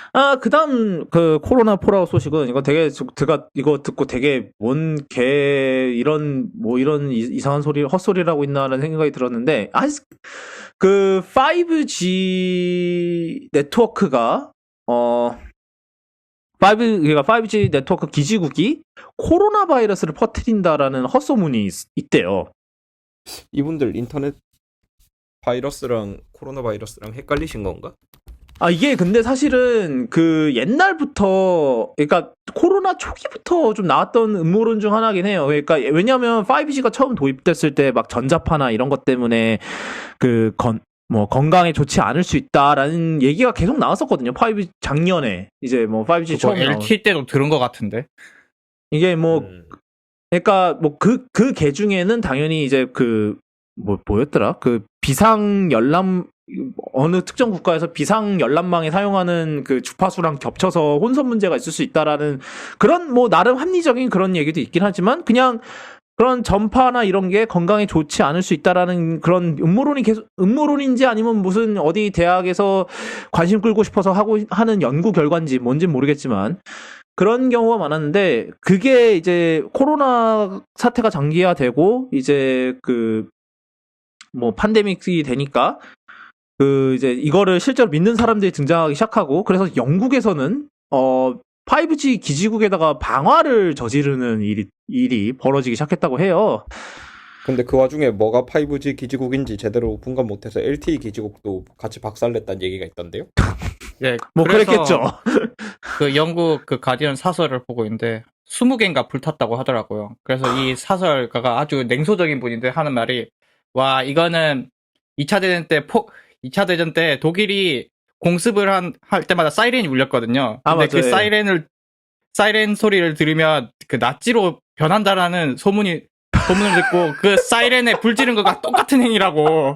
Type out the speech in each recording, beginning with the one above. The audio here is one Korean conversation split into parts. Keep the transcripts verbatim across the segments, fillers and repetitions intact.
아, 그다음 그 코로나 폴아웃 소식은 이거 되게 제가 이거 듣고 되게 뭔 개 이런 뭐 이런 이- 이상한 소리 헛소리라고 있나라는 생각이 들었는데 아, 그 파이브지 네트워크가 어 파이브 그러니까 파이브지 네트워크 기지국이 코로나 바이러스를 퍼뜨린다라는 헛소문이 있, 있대요. 이분들 인터넷 바이러스랑 코로나 바이러스랑 헷갈리신 건가? 아, 이게 근데 사실은 그 옛날부터, 그러니까 코로나 초기부터 좀 나왔던 음모론 중 하나긴 해요. 그러니까 왜냐면 파이브지가 처음 도입됐을 때 막 전자파나 이런 것 때문에 그 건, 뭐 건강에 좋지 않을 수 있다라는 얘기가 계속 나왔었거든요. 파이브 작년에 이제 뭐 파이브지 그거 처음 나온. 엘티이 때도 들은 것 같은데. 이게 뭐 음. 그러니까 뭐 그 그 개 중에는 당연히 이제 그 뭐 뭐였더라? 그 비상 열람 어느 특정 국가에서 비상 열람망에 사용하는 그 주파수랑 겹쳐서 혼선 문제가 있을 수 있다라는 그런 뭐 나름 합리적인 그런 얘기도 있긴 하지만 그냥 그런 전파나 이런 게 건강에 좋지 않을 수 있다라는 그런 음모론이 계속 음모론인지 아니면 무슨 어디 대학에서 관심 끌고 싶어서 하고 하는 연구 결과인지 뭔진 모르겠지만 그런 경우가 많았는데 그게 이제 코로나 사태가 장기화되고 이제 그 뭐 판데믹이 되니까 그 이제 이거를 실제로 믿는 사람들이 등장하기 시작하고 그래서 영국에서는 어 파이브지 기지국에다가 방화를 저지르는 일이 일이 벌어지기 시작했다고 해요. 근데 그 와중에 뭐가 파이브지 기지국인지 제대로 분간 못해서 엘티이 기지국도 같이 박살냈다는 얘기가 있던데요? 예, 뭐 그래서 그랬겠죠. 그 영국 그 가디언 사설을 보고 있는데 스무 개인가 불탔다고 하더라고요. 그래서 이 사설가가 아주 냉소적인 분인데 하는 말이 와 이거는 이 차 대전 때 폭, 이 차 대전 때 독일이 공습을 한, 할 때마다 사이렌이 울렸거든요. 아 근데 맞아. 그 예. 사이렌을 사이렌 소리를 들으면 그 나치로 변한다라는 소문이 소문을 듣고 그 사이렌에 불 지른 거가 똑같은 행위라고.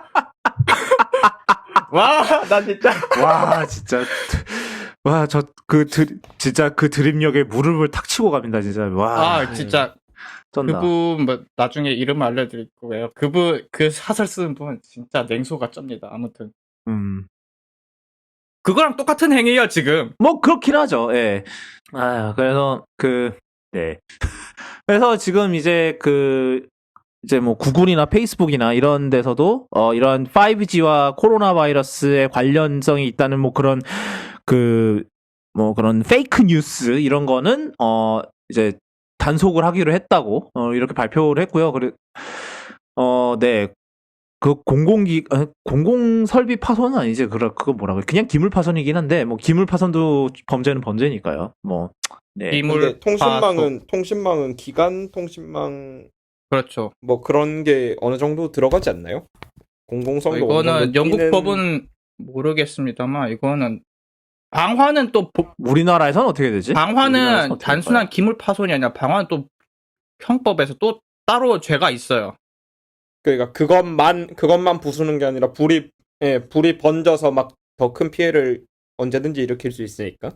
와, 난 진짜 와 진짜 와 저 그 진짜 그 드립력에 무릎을 탁 치고 갑니다 진짜. 와 아, 진짜 쩐다. 그분 뭐 나중에 이름 알려드릴 거예요. 그분 그 사설 쓰는 분 진짜 냉소가 쩝니다. 아무튼 음. 그거랑 똑같은 행위예요 지금. 뭐 그렇긴 하죠. 예. 아 그래서 그 네. 그래서 지금 이제 그 이제 뭐 구글이나 페이스북이나 이런 데서도 어 이런 파이브지와 코로나 바이러스의 관련성이 있다는 뭐 그런 그 뭐 그런 페이크 뉴스 이런 거는 어 이제 단속을 하기로 했다고 어 이렇게 발표를 했고요. 그래 어 네. 그 공공기 아, 공공 설비 파손은 아니지. 그거 그거 뭐라고 그냥 기물 파손이긴 한데 뭐 기물 파손도 범죄는 범죄니까요. 뭐 네. 비물 근데 통신망은 파손. 통신망은 기간 통신망 그렇죠. 뭐 그런 게 어느 정도 들어가지 않나요? 어, 공공성도 어느 이거는 정도 영국 띄는- 법은 모르겠습니다만 이거는 방화는 또 보- 우리나라에서는 어떻게 되지? 우리나라에서는 방화는 어떻게 단순한 될까요? 기물 파손이 아니라 방화는 또 형법에서 또 따로 죄가 있어요. 그러니까 그것만 그것만 부수는 게 아니라 불이 예, 불이 번져서 막 더 큰 피해를 언제든지 일으킬 수 있으니까.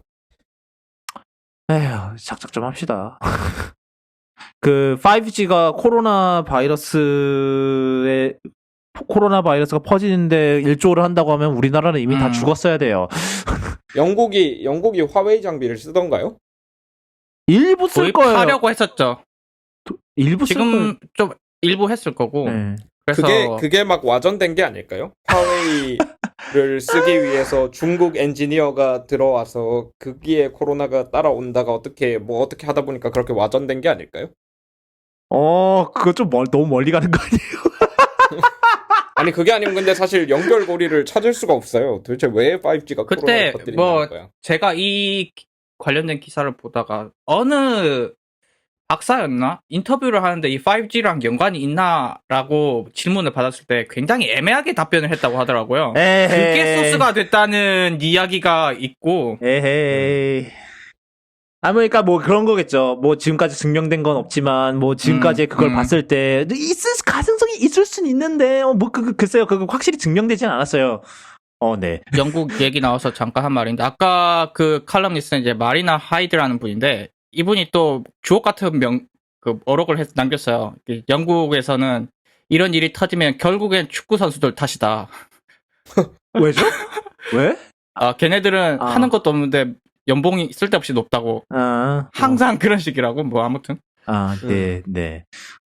에휴, 작작 좀 합시다. 그 파이브지가 코로나 바이러스에 코로나 바이러스가 퍼지는데 일조를 한다고 하면 우리나라는 이미 다 음. 죽었어야 돼요. 영국이 영국이 화웨이 장비를 쓰던가요? 일부 쓸 거예요. 도입하려고 했었죠. 일부 쓸 거예요. 지금 좀 일부 했을 거고. 네. 그래서 그게 그게 막 와전된 게 아닐까요? 화웨이를 쓰기 위해서 중국 엔지니어가 들어와서 거기에 코로나가 따라온다가 어떻게 뭐 어떻게 하다 보니까 그렇게 와전된 게 아닐까요? 어, 그거 좀 멀, 너무 멀리 가는 거 아니에요? 아니 그게 아니면 근데 사실 연결고리를 찾을 수가 없어요. 도대체 왜 파이브지가 그때 코로나를 퍼뜨리는 뭐 거야? 제가 이 기- 관련된 기사를 보다가 어느 박사였나? 인터뷰를 하는데 이 파이브지랑 연관이 있나라고 질문을 받았을 때 굉장히 애매하게 답변을 했다고 하더라고요. 에헤이. 그게 소스가 됐다는 이야기가 있고 에헤이. 아, 뭐, 그러니까 뭐 그런 거겠죠. 뭐 지금까지 증명된 건 없지만 뭐 지금까지 음, 그걸 음. 봤을 때 있을 가능성이 있을 순 있는데 어, 뭐 그, 그 글쎄요. 그거 확실히 증명되진 않았어요. 어, 네. 영국 얘기 나와서 잠깐 한 말인데 아까 그 칼럼니스트는 이제 마리나 하이드라는 분인데 이분이 또 주옥 같은 명, 그 어록을 했, 남겼어요. 이 영국에서는 이런 일이 터지면 결국엔 축구 선수들 탓이다. 왜죠? 왜? 아, 걔네들은 아. 하는 것도 없는데 연봉이 쓸데없이 높다고. 아, 항상 그런 식이라고. 뭐 아무튼 아, 음. 네, 네.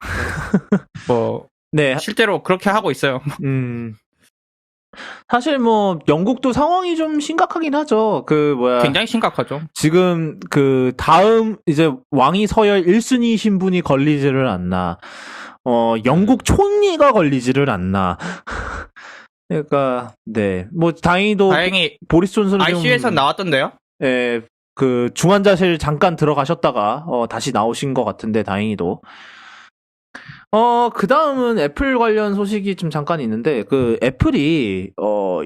뭐 네, 실제로 그렇게 하고 있어요. 음. 사실 뭐 영국도 상황이 좀 심각하긴 하죠. 그 뭐야 굉장히 심각하죠. 지금 그 다음 이제 왕위 서열 일 순위 신분이 걸리지를 않나. 어 영국 총리가 걸리지를 않나. 그러니까 네. 뭐 다행히도 다행히 보리스 존슨은 좀 아이씨유에서 나왔던데요. 예, 그 중환자실 잠깐 들어가셨다가 어 다시 나오신 것 같은데 다행히도. 어, 그 다음은 애플 관련 소식이 좀 잠깐 있는데, 그, 애플이, 어,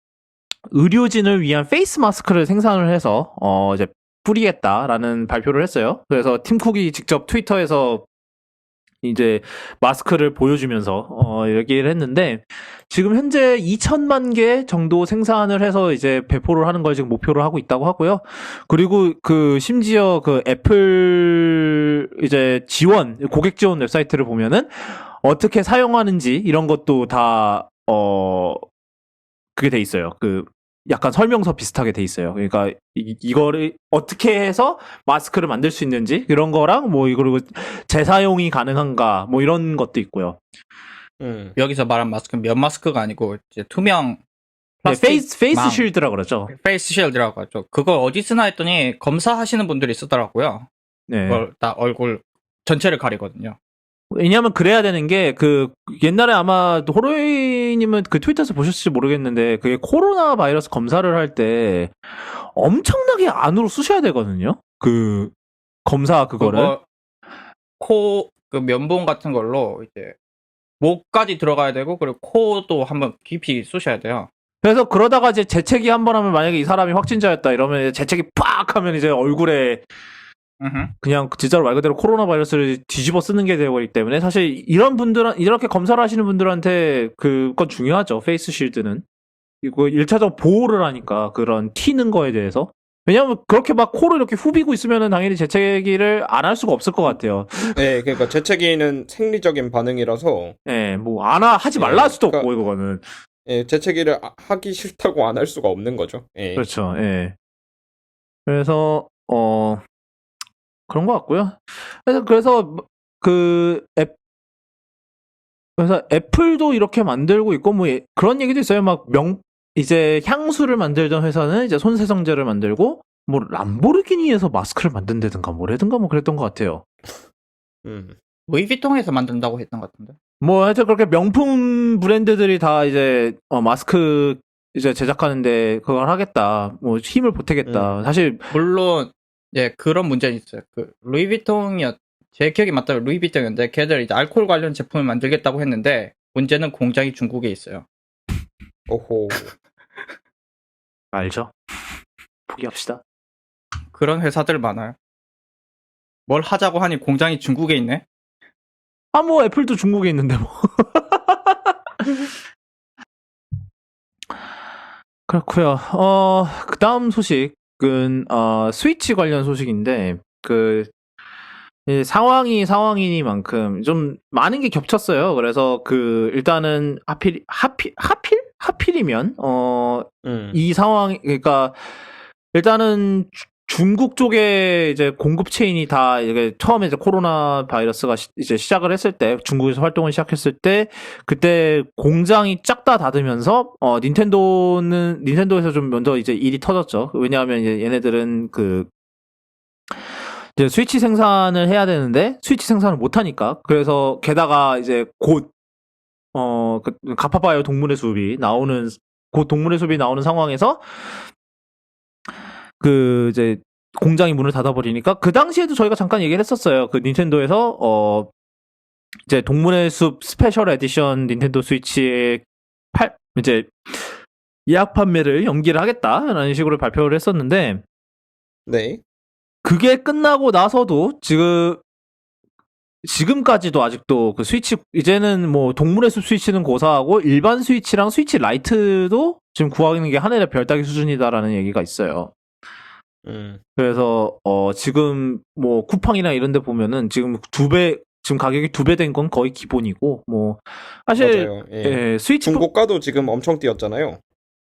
의료진을 위한 페이스 마스크를 생산을 해서, 어, 이제 뿌리겠다라는 발표를 했어요. 그래서 팀 쿡이 직접 트위터에서 이제 마스크를 보여주면서, 어, 얘기를 했는데, 지금 현재 이천만 개 정도 생산을 해서 이제 배포를 하는 걸 지금 목표로 하고 있다고 하고요. 그리고 그, 심지어 그 애플 이제 지원, 고객 지원 웹사이트를 보면은, 어떻게 사용하는지 이런 것도 다, 어, 그게 돼 있어요. 그, 약간 설명서 비슷하게 돼 있어요. 그러니까 이, 이거를 어떻게 해서 마스크를 만들 수 있는지 이런 거랑 뭐 그리고 재사용이 가능한가 뭐 이런 것도 있고요. 음. 여기서 말한 마스크는 면 마스크가 아니고 이제 투명 네, 플라스틱 페이스 페이스 망. 쉴드라 그러죠. 페이스 쉴드라고 하죠. 그걸 어디 쓰나 했더니 검사하시는 분들이 쓰더라고요. 네. 그걸 다 얼굴 전체를 가리거든요. 왜냐하면 그래야 되는 게 그 옛날에 아마 호로이님은 그 트위터에서 보셨을지 모르겠는데 그게 코로나 바이러스 검사를 할 때 엄청나게 안으로 쑤셔야 되거든요. 그 검사 그거를. 그거 코, 그 면봉 같은 걸로 이제 목까지 들어가야 되고 그리고 코도 한번 깊이 쑤셔야 돼요. 그래서 그러다가 이제 재채기 한 번 하면 만약에 이 사람이 확진자였다 이러면 이제 재채기 팍 하면 이제 얼굴에 으흠. 그냥 진짜로 말 그대로 코로나 바이러스를 뒤집어 쓰는 게 되어버리기 때문에 사실 이런 분들은 이렇게 검사를 하시는 분들한테 그건 중요하죠. 페이스 쉴드는 이거 일 차적 보호를 하니까 그런 튀는 거에 대해서 왜냐하면 그렇게 막 코를 이렇게 후비고 있으면은 당연히 재채기를 안 할 수가 없을 것 같아요. 네, 그러니까 재채기는 생리적인 반응이라서 예, 뭐 안 하지 말라 할 수도 예, 없고 이거는 예, 재채기를 아- 하기 싫다고 안 할 수가 없는 거죠. 예. 그렇죠. 예. 그래서 어 그런 것 같고요. 그래서 그래서 그 앱, 그래서 애플도 이렇게 만들고 있고 뭐 예- 그런 얘기도 있어요. 막 명 이제 향수를 만들던 회사는 이제 손세정제를 만들고 뭐 람보르기니에서 마스크를 만든다든가 뭐라든가 뭐 그랬던 것 같아요. 음. 루이비통에서 만든다고 했던 것 같은데. 뭐 하여튼 그렇게 명품 브랜드들이 다 이제 어, 마스크 이제 제작하는데 그걸 하겠다. 뭐 힘을 보태겠다. 음. 사실 물론 예 그런 문제는 있어요. 그 루이비통이었 제 기억이 맞다면 루이비통이었는데 걔들 이제 알코올 관련 제품을 만들겠다고 했는데 문제는 공장이 중국에 있어요. 오호. 알죠. 포기합시다. 그런 회사들 많아요. 뭘 하자고 하니 공장이 중국에 있네. 아 뭐 애플도 중국에 있는데 뭐. 그렇고요. 어, 그다음 소식은 어, 스위치 관련 소식인데 그 이 상황이 상황이니만큼 좀 많은 게 겹쳤어요. 그래서 그 일단은 하필 하필 하필 하필이면 어, 음. 이 상황 그러니까 일단은 주- 중국 쪽에 이제 공급 체인이 다 이게 처음에 이제 코로나 바이러스가 시, 이제 시작을 했을 때 중국에서 활동을 시작했을 때 그때 공장이 쫙 다 닫으면서 어 닌텐도는 닌텐도에서 좀 먼저 이제 일이 터졌죠. 왜냐하면 이제 얘네들은 그 이제 스위치 생산을 해야 되는데 스위치 생산을 못 하니까 그래서 게다가 이제 곧 어, 그, 가파바이오 동물의 숲이 나오는, 곧 동물의 숲이 나오는 상황에서, 그, 이제, 공장이 문을 닫아버리니까, 그 당시에도 저희가 잠깐 얘기를 했었어요. 그 닌텐도에서, 어, 이제 동물의 숲 스페셜 에디션 닌텐도 스위치의 팔, 이제, 예약 판매를 연기를 하겠다라는 식으로 발표를 했었는데, 네. 그게 끝나고 나서도 지금, 지금까지도 아직도 그 스위치, 이제는 뭐 동물의 숲 스위치는 고사하고 일반 스위치랑 스위치 라이트도 지금 구하는 게 하늘의 별 따기 수준이다라는 얘기가 있어요. 음. 그래서, 어, 지금 뭐 쿠팡이나 이런 데 보면은 지금 두 배, 지금 가격이 두 배 된 건 거의 기본이고, 뭐, 사실, 맞아요. 예. 예, 스위치, 중고가도 지금 엄청 뛰었잖아요.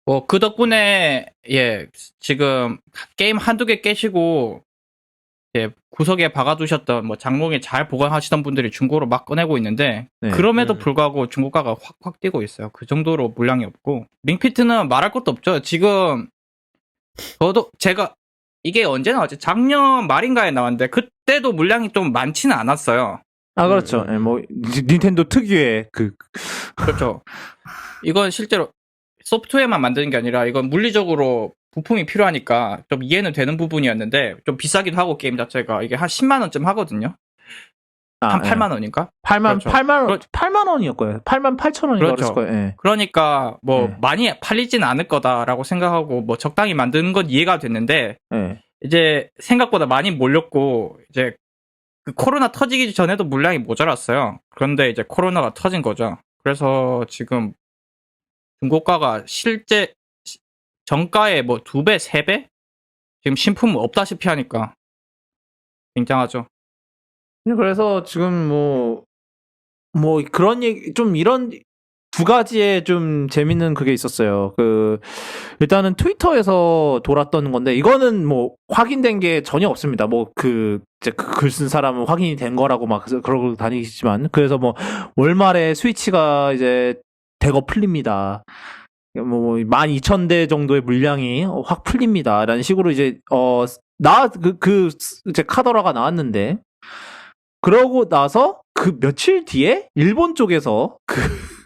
뭐 그 덕분에 예 지금 게임 한두 개 깨시고 예, 구석에 박아두셨던 뭐 장롱에 잘 보관하시던 분들이 중고로 막 꺼내고 있는데 네. 그럼에도 음. 불구하고 중고가가 확확 뛰고 있어요. 그 정도로 물량이 없고 링피트는 말할 것도 없죠. 지금 저도 제가 이게 언제 나왔지? 작년 말인가에 나왔는데 그때도 물량이 좀 많지는 않았어요. 아 그렇죠. 음. 예, 뭐 니- 닌텐도 특유의 그 그렇죠. 이건 실제로 소프트웨어만 만드는 게 아니라 이건 물리적으로 부품이 필요하니까 좀 이해는 되는 부분이었는데 좀 비싸기도 하고 게임 자체가 이게 한 십만 원쯤 하거든요. 아, 한 예. 팔만 원인가? 팔만 그렇죠. 팔만 원 그렇- 팔만 원이었 거예요. 팔만 팔천 원인가 그렇죠. 그랬을 거예요. 예. 그러니까 뭐 네. 많이 팔리진 않을 거다라고 생각하고 뭐 적당히 만드는 건 이해가 됐는데 예. 이제 생각보다 많이 몰렸고 이제 그 코로나 터지기 전에도 물량이 모자랐어요. 그런데 이제 코로나가 터진 거죠. 그래서 지금 중고가가 실제 시- 정가의 뭐 두 배, 세 배? 지금 신품 없다시피 하니까 굉장하죠. 그래서 지금 뭐, 뭐 그런 얘기, 좀 이런 두 가지의 좀 재밌는 그게 있었어요. 그, 일단은 트위터에서 돌았던 건데, 이거는 뭐 확인된 게 전혀 없습니다. 뭐 그, 이제 그 글 쓴 사람은 확인이 된 거라고 막 그러고 다니시지만, 그래서 뭐 월말에 스위치가 이제 대거 풀립니다. 뭐, 만 이천 대 정도의 물량이 확 풀립니다. 라는 식으로 이제, 어, 나, 그, 그, 이제 카더라가 나왔는데, 그러고 나서 그 며칠 뒤에 일본 쪽에서 그,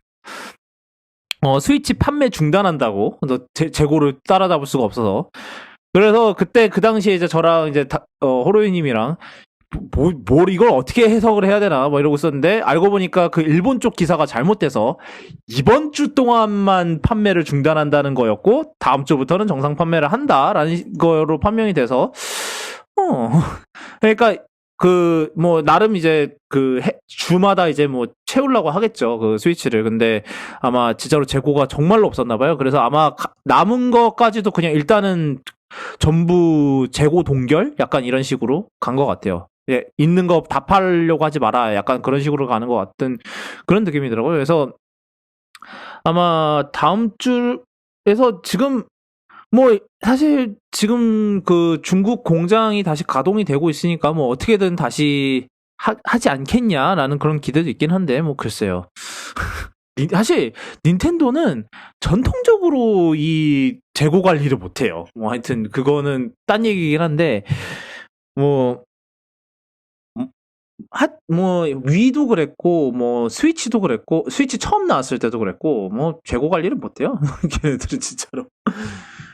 어, 스위치 판매 중단한다고, 너 재, 재고를 따라잡을 수가 없어서. 그래서 그때 그 당시에 이제 저랑 이제 다, 어, 호로이님이랑 뭐, 뭘 이걸 어떻게 해석을 해야 되나 뭐 이러고 있었는데 알고 보니까 그 일본 쪽 기사가 잘못돼서 이번 주 동안만 판매를 중단한다는 거였고 다음 주부터는 정상 판매를 한다라는 거로 판명이 돼서 어 그러니까 그 뭐 나름 이제 그 해, 주마다 이제 뭐 채우려고 하겠죠 그 스위치를. 근데 아마 진짜로 재고가 정말로 없었나 봐요. 그래서 아마 가, 남은 거까지도 그냥 일단은 전부 재고 동결 약간 이런 식으로 간 것 같아요. 예, 있는 거 다 팔려고 하지 마라 약간 그런 식으로 가는 것 같은 그런 느낌이더라고요. 그래서 아마 다음 주에서 지금 뭐 사실 지금 그 중국 공장이 다시 가동이 되고 있으니까 뭐 어떻게든 다시 하, 하지 않겠냐라는 그런 기대도 있긴 한데 뭐 글쎄요. 닌- 사실 닌텐도는 전통적으로 이 재고 관리를 못해요. 뭐 하여튼 그거는 딴 얘기긴 한데 뭐 하, 뭐 위도 그랬고 뭐 스위치도 그랬고 스위치 처음 나왔을 때도 그랬고 뭐 재고 관리를 못해요. 걔네들은 진짜로.